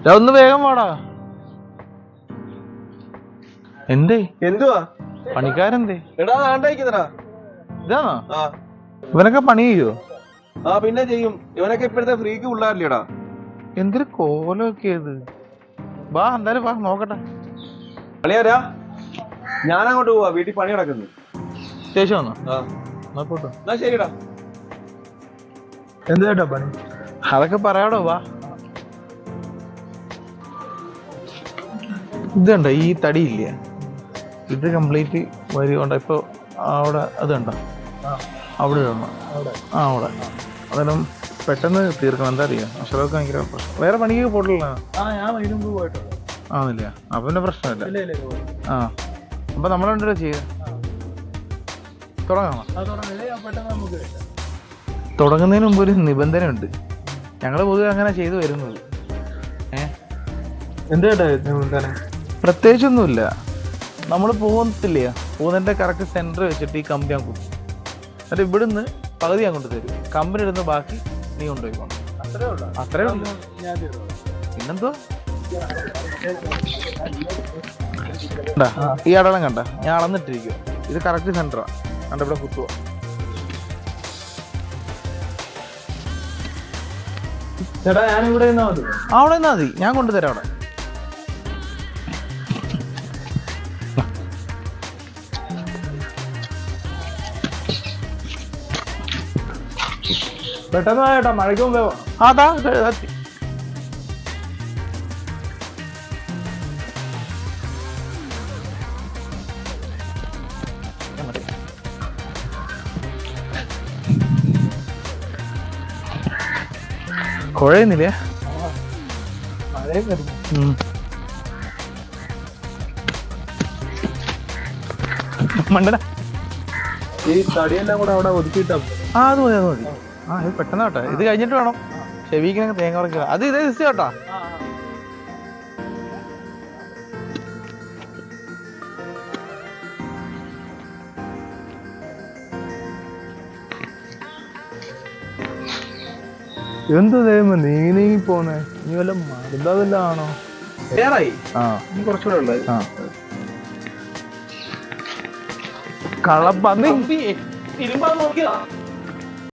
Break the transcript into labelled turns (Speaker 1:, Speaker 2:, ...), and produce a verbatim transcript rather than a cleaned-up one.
Speaker 1: ഒന്ന് വേഗം വാടാ. എന്തേ
Speaker 2: എന്തുവാ
Speaker 1: പണിക്കാരെന്തേ?
Speaker 2: എടാ ആണ്ടായിക്കുന്നടാ.
Speaker 1: ഇതാണോ
Speaker 2: ആ
Speaker 1: ഇവനൊക്കെ പണി ചെയ്യോ?
Speaker 2: ആ പിന്നെ ചെയ്യും. ഇവനൊക്കെ ഇപ്പോഴത്തെ ഫ്രീക്ക് പിള്ളേരില്ലേടാ.
Speaker 1: എന്തൊരു കോലമൊക്കെ ഇത്. വാ എന്തായാലും വാ നോക്കട്ടെ.
Speaker 2: പണിയാരാ ഞാൻ അങ്ങോട്ട് പോവാ, വീട്ടിൽ പണി നടക്കുന്നു.
Speaker 1: ശേഷം വന്നോ?
Speaker 2: ആ
Speaker 1: നോക്കോട്ടോ.
Speaker 2: എന്നാ ശരിടാ.
Speaker 1: എന്ത് കേട്ടോ പണി? അതൊക്കെ പറയാടോ വാ. ഇതുണ്ടോ ഈ തടിയില്ലേ, ഇത് കംപ്ലീറ്റ് വരി കൊണ്ട് ഇപ്പൊ അവിടെ അത് കണ്ടോ അവിടെ ഇടണം. ആ അവിടെ അതെല്ലാം പെട്ടെന്ന് തീർക്കണം. എന്താ അറിയാം അക്ഷരമൊക്കെ ഭയങ്കര പ്രശ്നം. വേറെ പണിക്ക് പോയിട്ടില്ല. ആന്നില്ല അപ്പൊ പിന്നെ പ്രശ്നമില്ല. ആ അപ്പൊ നമ്മളെന്തോ ചെയ്യ തുടങ്ങാം. തുടങ്ങുന്നതിന് മുമ്പ് ഒരു നിബന്ധന ഉണ്ട്. ഞങ്ങള് പൊതുവെ അങ്ങനെ ചെയ്തു വരുന്നത്. ഏഹ്
Speaker 2: എന്ത് കേട്ടാ നിബന്ധന?
Speaker 1: പ്രത്യേകിച്ചൊന്നുമില്ല. നമ്മൾ പോകുന്നില്ല, പോകുന്നതിന്റെ കറക്റ്റ് സെന്റർ വെച്ചിട്ട് ഈ കമ്പി ഞാൻ കുത്തും. എന്നിട്ട് ഇവിടുന്ന് പകുതി ഞാൻ കൊണ്ട് തരും. കമ്പനി ഇടുന്ന ബാക്കി നീ കൊണ്ടുപോയിക്കോണം.
Speaker 2: അത്രേ ഉള്ളൂ.
Speaker 1: അത്രേ ഉള്ളൂ. പിന്നെന്തോ ഈ അടളം കണ്ട ഞാൻ അളന്നിട്ടിരിക്കും. ഇത് കറക്റ്റ് സെന്ററാ. കണ്ട ഇവിടെ കുത്തുക.
Speaker 2: ചേട്ടാ ഞാൻ ഇവിടെ നിന്നാ മതി.
Speaker 1: അവിടെ നിന്നാ മതി, ഞാൻ കൊണ്ടുതരാം. അവിടെ
Speaker 2: പെട്ടെന്ന് ചേട്ടാ, മഴയ്ക്ക് മുമ്പേ വാ.
Speaker 1: അതാ കുഴയുന്നില്ലേ?
Speaker 2: മഴയും വരുന്നു.
Speaker 1: മണ്ടന
Speaker 2: ഈ തടിയെല്ലാം കൂടെ അവിടെ ഒതുക്കിയിട്ടാ.
Speaker 1: ആ അത് മതി അത് മതി. ആ ഇത് പെട്ടെന്ന് കേട്ടോ. ഇത് കഴിഞ്ഞിട്ട് വേണം ചെവിക്ക് തേങ്ങ പറിക്കുക. അത് ഇതേ ദിവസം കേട്ടോ.
Speaker 2: എന്ത് ദൈവം നീങ്ങി നീങ്ങി പോന്നെ? നീ വല്ല മരുന്നല്ല ആണോ?
Speaker 1: ആ
Speaker 2: കുറച്ചുകൂടെ ഉള്ളത്.
Speaker 1: ആ കള്ളപ്പന്നി
Speaker 2: ഇരുമ്പാ നോക്കിയതാ.